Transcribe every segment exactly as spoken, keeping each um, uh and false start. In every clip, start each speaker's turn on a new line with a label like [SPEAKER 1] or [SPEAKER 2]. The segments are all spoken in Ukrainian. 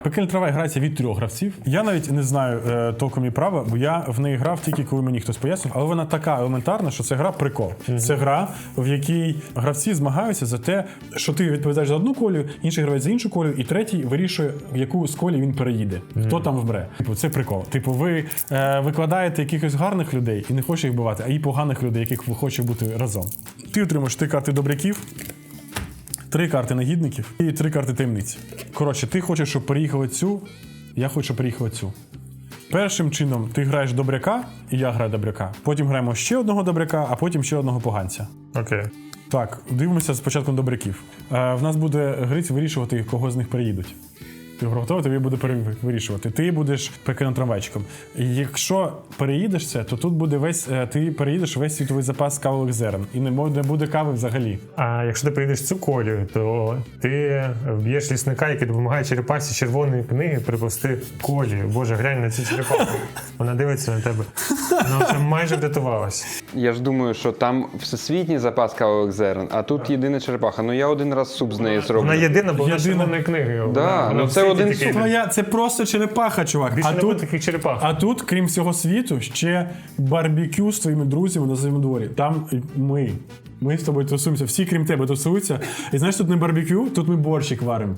[SPEAKER 1] Пекельна трава грається від трьох гравців. Я навіть не знаю е, толком і права, бо я в неї грав тільки коли мені хтось пояснив, але вона така елементарна, що це гра прикол. Mm-hmm. Це гра, в якій гравці змагаються за те, що ти відповідаєш за одну колію, інший гравець за іншу колію, і третій вирішує, в яку з колій він переїде. Mm-hmm. Хто там вмре. Типу, це прикол. Типу, ви е, викладаєте якихось гарних людей і не хочете їх вбивати, а і поганих людей, яких ви хочете бути разом. Ти отримаєш три карти добряків, три карти негідників і три карти таємниць. Коротше, ти хочеш, щоб переїхали цю, я хочу, щоб переїхали цю. Першим чином ти граєш добряка, і я граю добряка. Потім граємо ще одного добряка, а потім ще одного поганця.
[SPEAKER 2] Окей. Okay.
[SPEAKER 1] Так, дивимося спочатку добряків. Е, в нас буде грець вирішувати, кого з них переїдуть. Ти готовий, тобі буде вирішувати. Ти будеш пекельним трамвайчиком. І якщо переїдеш це, то тут буде весь, ти переїдеш весь світовий запас кавових зерен. І не буде кави взагалі.
[SPEAKER 2] А якщо ти переїдеш цю колію, то ти вб'єш лісника, який допомагає черепахі червоної книги приплести колію. Боже, глянь на цю черепаху. Вона дивиться на тебе. Вона вже майже врятувалась.
[SPEAKER 3] Я ж думаю, що там всесвітній запас кавових зерен, а тут єдина черепаха. Ну я один раз суп з неї зроблю.
[SPEAKER 2] Вона єдина, бо вона червоної книги.
[SPEAKER 3] Да, вона, ну це один суп.
[SPEAKER 1] Твоя, це просто черепаха, чувак.
[SPEAKER 2] Більше
[SPEAKER 1] а,
[SPEAKER 2] не
[SPEAKER 1] тут,
[SPEAKER 2] таких черепах.
[SPEAKER 1] а тут, крім всього світу, ще барбекю з твоїми друзями на своєму дворі. Там ми. Ми з тобою тусуємося. Всі, крім тебе, тусуються. І знаєш, тут не барбекю, тут ми борщик варимо.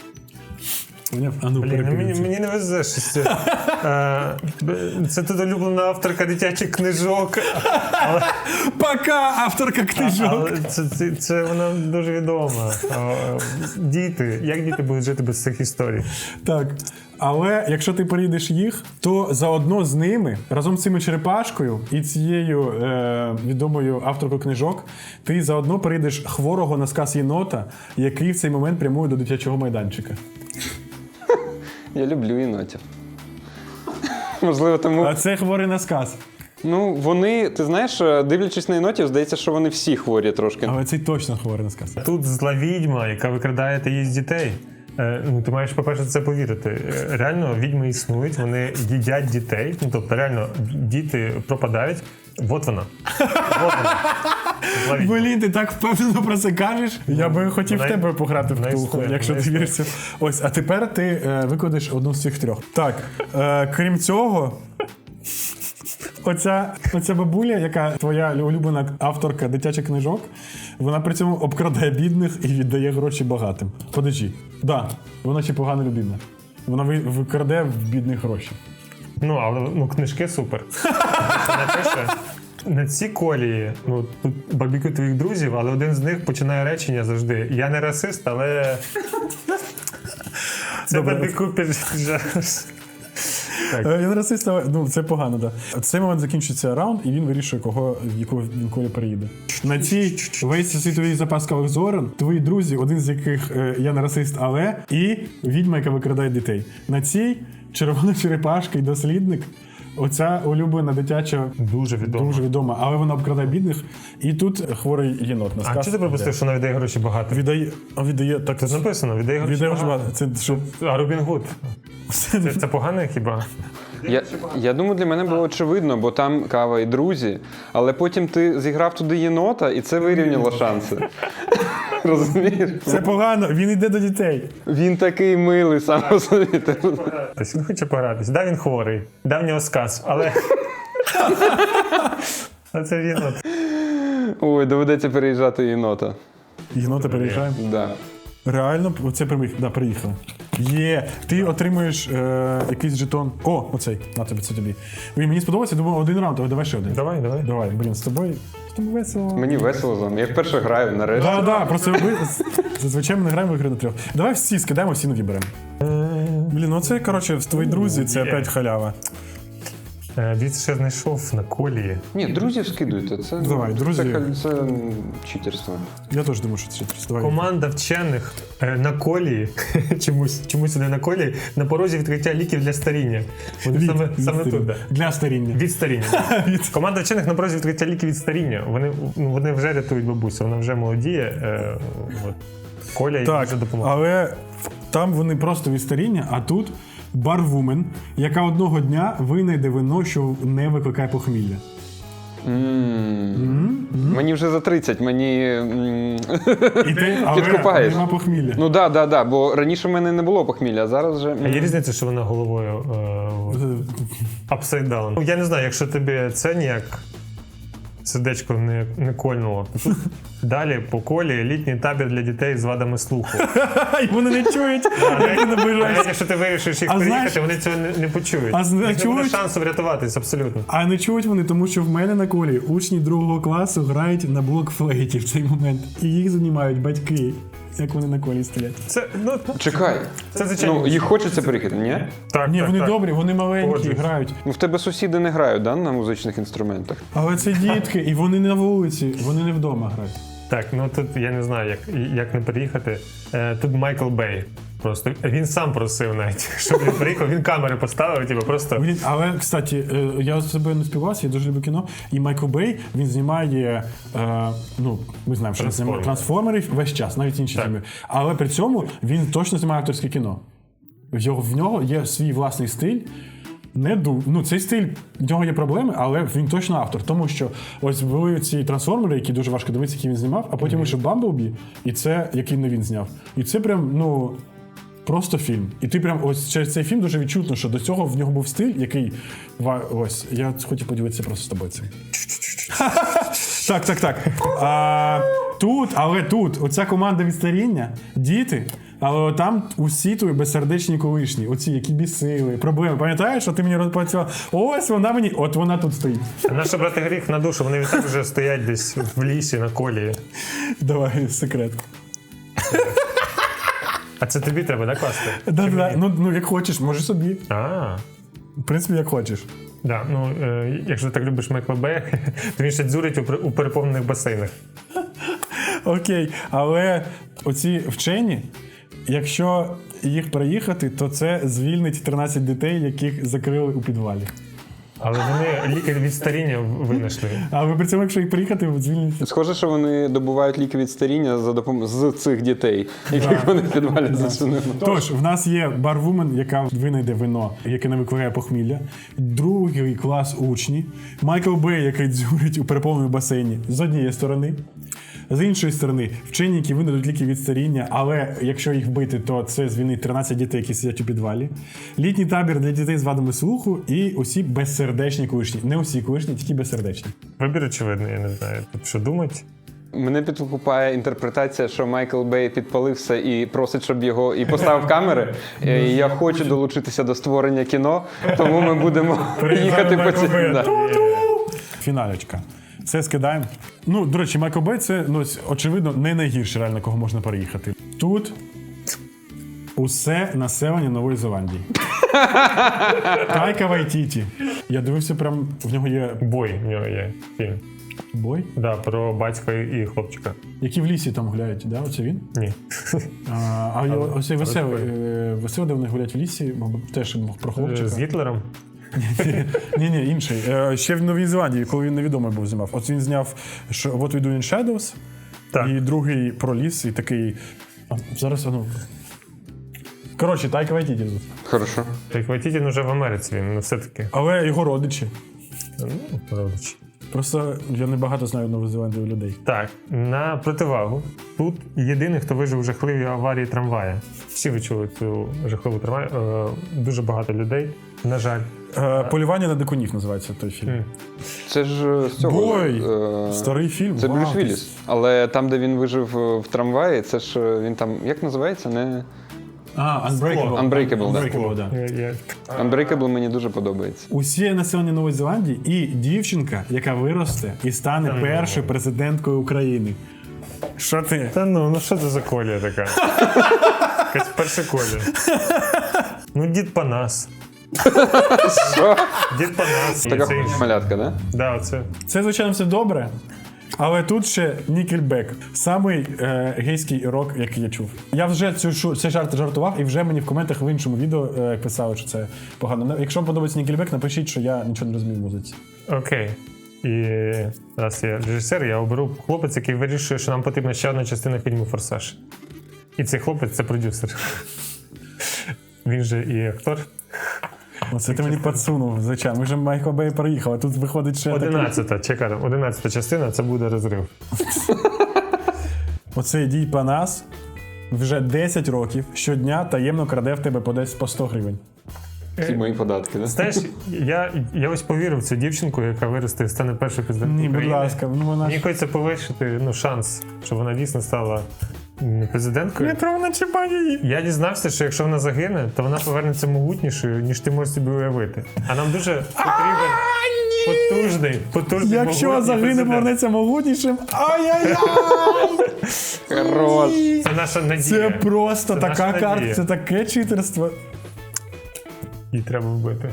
[SPEAKER 1] А ну,
[SPEAKER 2] Блін, мені, мені не везе щось. Це тут улюблена авторка дитячих книжок. Але...
[SPEAKER 1] Пока, авторка книжок.
[SPEAKER 2] Але це, це, це вона дуже відома. Діти. Як діти будуть жити без цих історій?
[SPEAKER 1] Так. Але якщо ти переїдеш їх, то заодно з ними, разом з цими черепашкою і цією е, відомою авторкою книжок, ти заодно переїдеш хворого на сказ єнота, який в цей момент прямує до дитячого майданчика.
[SPEAKER 3] Я люблю єнотів. Можливо, тому...
[SPEAKER 1] А це хворий на сказ.
[SPEAKER 3] Ну, вони, ти знаєш, дивлячись на єнотів, здається, що вони всі хворі трошки.
[SPEAKER 1] Але цей точно хворий на сказ.
[SPEAKER 2] Тут зла відьма, яка викрадає її з дітей. Ну, ти маєш, по-перше, це повірити. Реально, відьми існують, вони їдять дітей. Ну, тобто, реально, діти пропадають. Вот вона. Вот вона.
[SPEAKER 1] Блін, ти так впевнено про це кажеш. Я би хотів в тебе пограти в Ктулху, якщо ти віриш. Ось, а тепер ти е, викладеш одну з цих трьох. Так, е, крім цього, оця, оця бабуля, яка твоя улюблена авторка дитячих книжок, вона при цьому обкрадає бідних і віддає гроші багатим. Подожди. Да, вона ще погана людина. Вона викраде в бідних гроші.
[SPEAKER 2] Ну, але ну, книжки супер. Вона пише, на цій колії, ну, тут барбекю твоїх друзів, але один з них починає речення завжди. Я не расист, але це барбекю піджариш.
[SPEAKER 1] Я не расист, але ну, це погано, так. Да. В цей момент закінчується раунд, і він вирішує, кого, в яку він колі переїде. На цій весь світовий запас кавових зорен, твої друзі, один з яких е, я не расист, але, і відьма, яка викрадає дітей. На цій червона черепашка і дослідник. Оця улюблена дитяча
[SPEAKER 2] дуже відома.
[SPEAKER 1] Дуже відома, але вона обкрадає бідних. І тут хворий єнот на сказ.
[SPEAKER 2] А чи ти пропустив, що вона віддає гроші багато?
[SPEAKER 1] Віддає, віддає, так.
[SPEAKER 2] Це написано, віддає гроші
[SPEAKER 1] віддає
[SPEAKER 2] багато.
[SPEAKER 1] багато. Це, що...
[SPEAKER 2] А Робін Гуд? Це, це погано хіба?
[SPEAKER 3] Я, я думаю, для мене було очевидно, бо там кава і друзі, але потім ти зіграв туди єнота, і це вирівняло шанси. Розумієш?
[SPEAKER 1] Це погано, він йде до дітей.
[SPEAKER 3] Він такий милий сам по собі.
[SPEAKER 2] Він хоче погратись. Да, він хворий, да, в нього сказ, але... А це єнот.
[SPEAKER 3] Ой, доведеться переїжджати єнота.
[SPEAKER 1] Єнота переїжджаємо?
[SPEAKER 3] Да.
[SPEAKER 1] Реально, оце приїхали. Да, приїхали. Є, ти отримуєш е, якийсь жетон. О, оцей, на тобі, це тобі. Він мені сподобався, думаю, один раунд, але давай ще один.
[SPEAKER 2] Давай, давай.
[SPEAKER 1] Давай, блін, з тобою, з тобою весело.
[SPEAKER 3] Мені весело з вами. Я вперше граю, нарешті.
[SPEAKER 1] Так, да, так, да, просто ми зазвичай ми не граємо в ігри на трьох. Давай всі скидаємо, всі нові беремо. Блін, ну це, коротше, твої друзі, це опять халява.
[SPEAKER 2] Дивіться, що я знайшов на колії.
[SPEAKER 3] Ні, друзів скидуйте. Це,
[SPEAKER 1] Давай, друзі.
[SPEAKER 3] Це, це читерство.
[SPEAKER 1] Я теж думаю, що це читерство.
[SPEAKER 2] Команда вчених на колії, чомусь, чомусь не на колії, на порозі відкриття ліків для старіння. Вони
[SPEAKER 1] від,
[SPEAKER 2] саме,
[SPEAKER 1] від
[SPEAKER 2] саме
[SPEAKER 1] старіння.
[SPEAKER 2] тут. Да.
[SPEAKER 1] Для старіння.
[SPEAKER 2] Від старіння. Команда вчених на порозі відкриття ліків від старіння. Вони, ну, вони вже рятують бабусю, вона вже молодіє. Е, от. Коля їй
[SPEAKER 1] так,
[SPEAKER 2] дуже допомагає.
[SPEAKER 1] Але там вони просто від старіння, а тут барвумен, яка одного дня винайде вино, що не викликає похмілля.
[SPEAKER 3] М. Мені вже за тридцять, мені м,
[SPEAKER 1] І ти, але
[SPEAKER 3] Підкупаєш.
[SPEAKER 1] нема похмілля.
[SPEAKER 3] ну да, да, да, бо раніше в мене не було похмілля, а зараз вже.
[SPEAKER 2] А є різниця, що вона головою е, upside down. Ну, я не знаю, якщо тобі це ніяк сердечко не, не кольнуло. Тут далі по колі літній табір для дітей з вадами слуху.
[SPEAKER 1] І вони не чують, як ти наближаєшся.
[SPEAKER 2] Навіть якщо ти вирішиш їх
[SPEAKER 1] А
[SPEAKER 2] приїхати,
[SPEAKER 1] знаєш-
[SPEAKER 2] вони цього не, не почують.
[SPEAKER 1] А зна-
[SPEAKER 2] Не
[SPEAKER 1] чують?
[SPEAKER 2] буде шансу врятуватись, абсолютно.
[SPEAKER 1] А не чують вони, тому що в мене на колі учні другого класу грають на блокфлейті в цей момент. І їх знімають батьки, як вони на колі стоять.
[SPEAKER 2] Це, ну,
[SPEAKER 3] Чекай.
[SPEAKER 2] це звичайно.
[SPEAKER 3] Ну, їх хочеться переїхати, ні?
[SPEAKER 2] Так,
[SPEAKER 1] Ні,
[SPEAKER 2] так,
[SPEAKER 1] вони
[SPEAKER 2] так.
[SPEAKER 1] добрі, вони маленькі,
[SPEAKER 2] Погоджуюсь.
[SPEAKER 1] грають.
[SPEAKER 3] Ну, в тебе сусіди не грають, да, на музичних інструментах?
[SPEAKER 1] Але це дітки, і вони не на вулиці, вони не вдома грають.
[SPEAKER 2] Так, ну тут я не знаю, як, як не переїхати. Е, тут Майкл Бей. Просто він сам просив навіть, щоб він приїхав, він камери поставив, типу, просто.
[SPEAKER 1] Блін, але, кстати, е, я з собою не співався, я дуже люблю кіно. І Майкл Бей, він знімає, е, ну, ми знаємо, що він знімає
[SPEAKER 2] Трансформери.
[SPEAKER 1] трансформерів весь час, навіть інші
[SPEAKER 2] Так.
[SPEAKER 1] фільми. Але при цьому він точно знімає акторське кіно. В його, в нього є свій власний стиль. Не ду... Ну, цей стиль, в нього є проблеми, але він точно автор. Тому що ось були ці трансформери, які дуже важко дивитися, які він знімав, а потім вийшов Бамблбі, і це, який не він зняв. І це прям, ну. Просто фільм. І ти прям ось через цей фільм дуже відчутно, що до цього в нього був стиль, який. ва- Ось, я хотів поділитися просто з тобою цим. Так, так, так. А, тут, але тут, оця команда від старіння, діти, але там усі твої безсердечні колишні, оці, які бісили, проблеми. Пам'ятаєш, що ти мені розпрацював? Ось вона мені, от вона тут стоїть.
[SPEAKER 2] Наша брати гріх на душу, вони відтак вже стоять десь в лісі на колії.
[SPEAKER 1] Давай, секрет.
[SPEAKER 2] А це тобі треба, да, класти?
[SPEAKER 1] Да, да. Ну, ну, як хочеш, можеш собі.
[SPEAKER 2] А,
[SPEAKER 1] В принципі, як хочеш.
[SPEAKER 2] да, ну, е, якщо ти так любиш Майкла Бея, то він ще дзюрить у, при- у переповнених басейнах.
[SPEAKER 1] Окей, але оці вчені, якщо їх переїхати, то це звільнить тринадцять дітей, яких закрили у підвалі.
[SPEAKER 2] Але вони ліки від старіння винайшли.
[SPEAKER 1] А ви при цьому, якщо їх приїхати, звільнять.
[SPEAKER 3] Схоже, що вони добувають ліки від старіння за допом... з цих дітей, яких вони в підвалі зачинили.
[SPEAKER 1] Тож, в нас є барвумен, яка винайде вино, яке не викликає похмілля. Другий клас учні. Майкл Бей, який дзюрить у переповненому басейні з однієї сторони. З іншої сторони, вчені, які винайдуть ліки від старіння, але якщо їх вбити, то це звільнить тринадцять дітей, які сидять у підвалі. Літній табір для дітей з вадами слуху і усі безсердечні колишні. Не усі колишні, тільки безсердечні.
[SPEAKER 2] Вибір очевидний, я не знаю. Тут що думать?
[SPEAKER 3] Мене підкупає інтерпретація, що Майкл Бей підпалився і просить, щоб його і поставив камери. І я хочу долучитися до створення кіно, тому ми будемо їхати по ці. Да.
[SPEAKER 1] Фіналечка. Це скидаємо. Ну, до речі, Майкл Бей це, ну, очевидно, не найгірше реально, кого можна переїхати. Тут усе населення Нової Зеландії. Тайка Вайтіті. Я дивився, прям в нього є
[SPEAKER 2] Бой в нього є фільм.
[SPEAKER 1] бой,
[SPEAKER 2] Да, про батька і хлопчика.
[SPEAKER 1] які в лісі там гуляють, да? Оце він?
[SPEAKER 2] Ні.
[SPEAKER 1] А, а його- ось цей веселий, е, веселий, де вони гулять в лісі, мабуть, теж про хлопчика.
[SPEAKER 2] З Гітлером?
[SPEAKER 1] Ні, ні, інший. Е, Ще в Новій Зеландії, коли він невідомий був, знімав. От він зняв що What We Do in Shadows,
[SPEAKER 2] Так.
[SPEAKER 1] і другий про ліс, і такий. А, зараз, а ну. Коротше, Тайка Вайтіті тут.
[SPEAKER 3] Хорошо.
[SPEAKER 2] Так Вайтітін уже в Америці, він ну, все-таки.
[SPEAKER 1] Але його родичі.
[SPEAKER 2] Ну, родич.
[SPEAKER 1] Просто я не багато знаю Нової Зеландії людей.
[SPEAKER 2] Так, на противагу. Тут єдиний, хто вижив у жахливій аварії трамвая. Всі ви чули цю жахливу трамвай. Е, дуже багато людей, на жаль.
[SPEAKER 1] Е, Полювання на дикунів називається той фільм.
[SPEAKER 2] М.
[SPEAKER 3] Це ж е, з цього.
[SPEAKER 1] Бой!
[SPEAKER 3] е,
[SPEAKER 1] Старий фільм.
[SPEAKER 3] Це
[SPEAKER 1] Вау.
[SPEAKER 3] Брюс Вілліс. Але там, де він вижив е, в трамваї, це ж е, він там, як називається? Не...
[SPEAKER 1] А, Unbreakable.
[SPEAKER 3] Unbreakable, да.
[SPEAKER 1] Unbreakable, да.
[SPEAKER 2] Я, я...
[SPEAKER 3] Unbreakable мені дуже подобається.
[SPEAKER 1] Усі населення Нової Зеландії і дівчинка, яка виросте і стане першою президенткою України. Що ти?
[SPEAKER 2] Та ну, ну що це за колія така? Якась перша колія. Ну, дід Панас.
[SPEAKER 3] Що?
[SPEAKER 2] Дід Панас.
[SPEAKER 3] Така
[SPEAKER 2] Це інше.
[SPEAKER 3] малятка, да?
[SPEAKER 2] Да, оце.
[SPEAKER 1] Це, звичайно, все добре. Але тут ще Нікельбек. Самий е, гейський рок, який я чув. Я вже цю шу- цей жарт жартував, і вже мені в коментах в іншому відео е, писали, що це погано. Якщо вам подобається Нікельбек, напишіть, що я нічого не розумію в музиці.
[SPEAKER 2] Окей. І раз я режисер, я оберу хлопець, який вирішує, що нам потрібна ще одна частина фільму «Форсаж». І цей хлопець – це продюсер. Він же і актор.
[SPEAKER 1] Оце ти мені підсунув, звичайно. Ми вже Майкл Бей проїхали, тут виходить ще такий...
[SPEAKER 2] Одинадцята, чекай, одинадцята частина, це буде розрив.
[SPEAKER 1] Оцей дій Панас вже десять років щодня таємно краде в тебе по десь по сто гривень.
[SPEAKER 3] Ці мої податки, да?
[SPEAKER 2] Знаєш, я, я ось повірив в цю дівчинку, яка виросте і стане першою президенткою
[SPEAKER 1] Ні, будь
[SPEAKER 2] України.
[SPEAKER 1] ласка, ну вона
[SPEAKER 2] Мені
[SPEAKER 1] ж...
[SPEAKER 2] хочеться повищити ну, шанс, щоб вона дійсно стала м, президенткою.
[SPEAKER 1] Не треба начіпати її.
[SPEAKER 2] Я дізнався, що якщо вона загине, то вона повернеться могутнішою, ніж ти можеш собі уявити. А нам дуже потрібен потужний, потужний,
[SPEAKER 1] Якщо
[SPEAKER 2] могутній
[SPEAKER 1] загине,
[SPEAKER 2] президент.
[SPEAKER 1] повернеться могутнішим. Ай-яй-яй!
[SPEAKER 3] Хорош.
[SPEAKER 2] Це наша надія.
[SPEAKER 1] Це просто
[SPEAKER 2] Це
[SPEAKER 1] така
[SPEAKER 2] наша
[SPEAKER 1] карта,
[SPEAKER 2] надія.
[SPEAKER 1] це таке читерство.
[SPEAKER 2] Її треба вбити.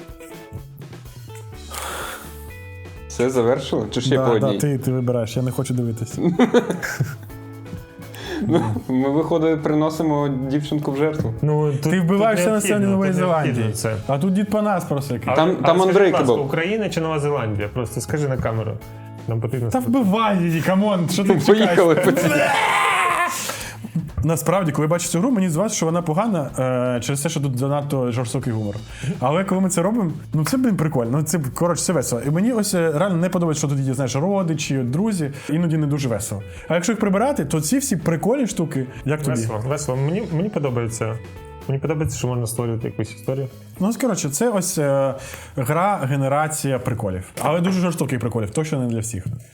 [SPEAKER 3] Все завершили? Чи ще по
[SPEAKER 1] Да,
[SPEAKER 3] одній?
[SPEAKER 1] да, ти, ти вибираєш, я не хочу дивитися.
[SPEAKER 3] Ми, виходить, приносимо дівчинку в жертву.
[SPEAKER 2] Ну, тут,
[SPEAKER 1] Ти вбиваєш все
[SPEAKER 2] тут
[SPEAKER 1] населення
[SPEAKER 2] необхідно,
[SPEAKER 1] Нової
[SPEAKER 2] тут необхідно
[SPEAKER 1] Зеландії.
[SPEAKER 2] Це.
[SPEAKER 1] А тут дід Панас просто який.
[SPEAKER 3] Там-
[SPEAKER 2] А
[SPEAKER 3] там
[SPEAKER 2] скажи,
[SPEAKER 3] Unbreakable.
[SPEAKER 2] будь ласка, Україна чи Нова Зеландія? Просто скажи на камеру. Нам потрібно...
[SPEAKER 1] Та вбивай її, камон, що ти чекаєш?
[SPEAKER 3] Поїхали по цій.
[SPEAKER 1] Насправді, коли я бачу цю гру, мені здавається, що вона погана е, через те, що тут занадто жорстокий гумор. Але коли ми це робимо, ну це, блін, прикольно. Ну це, коротше, це весело. І мені ось е, реально не подобається, що тут є, знаєш, родичі, друзі. Іноді не дуже весело. А якщо їх прибирати, то ці всі прикольні штуки, як тобі?
[SPEAKER 2] Весело, весело. Мені, мені подобається. Мені подобається, що можна створювати якусь історію.
[SPEAKER 1] Ну, ось, коротше, це ось е, гра, генерація приколів. Але дуже жорстоких приколів, точно не для всіх.